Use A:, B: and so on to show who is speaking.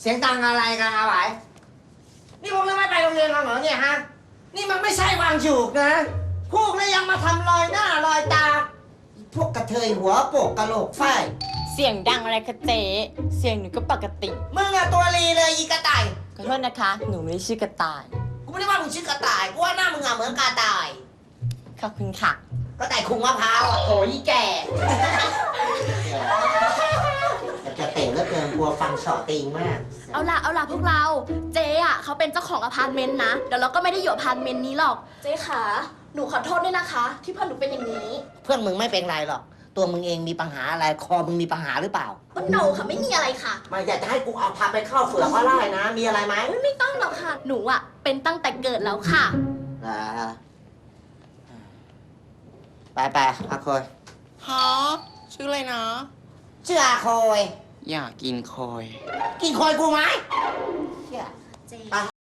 A: สียงดังอะไรกันอาไหวนี่พวกเราไม่ไปโรงเรียนกันเหรอเนี่ยฮะนี่มันไม่ใช่วังฉุกนะพวกนี้ยังมาทำรอยหน้ารอยตาพวกกระเทยหัวโปกกะโหลกไฟ
B: เสียงดังอะไรคะเจ๊เสียงหนูก็ปกติ
A: มึงอะตัวรีเลยอีกระต่าย
B: ขอโทษนะคะ หนูไม่ได้ชื่อกระต่าย
A: กูไม่ได้ว่ามึงชื่อกระต่ายกูว่าหน้ามึงอะเหมือนกระต่าย
B: ขอบคุณค่ะ
A: กระต่ายคุงมะพร้าวอะโถยแก่จะเตะแล้วเกินกลัวฟังเสาะติงมาก
C: เอาล่ะพวกเรา เจ๊อะเขาเป็นเจ้าของอพาร์ตเมนต์นะ เดี๋ยวเราก็ไม่ได้อยู่อพาร์ตเมนต์นี้หรอก เจ๊ขาหนูขอโทษด้วยนะคะ ที่เพื่อนหนูเป็นอย่างนี้
A: เพื่อนมึงไม่เป็นไรหรอกตัวมึงเองมีปัญหาอะไรคอมึงมีปัญหาหรือเปล่า
C: ก็โนค่ะไม่มีอะไรค่ะ
A: มาอยากจะให้กูเอาพาไปเข้าเฝือกก็ไล่นะมีอะไรไหม
C: ไม่ต้องหรอกค่ะ หนูอะเป็นตั้งแต่เกิดแล้วค่ะ
A: ไปอาโคย
D: ฮะชื่ออะไรนะ
A: ชื่ออาโคย
D: อยากกินคอย
A: กินโคยกูไหม
C: เจ๊
A: ไป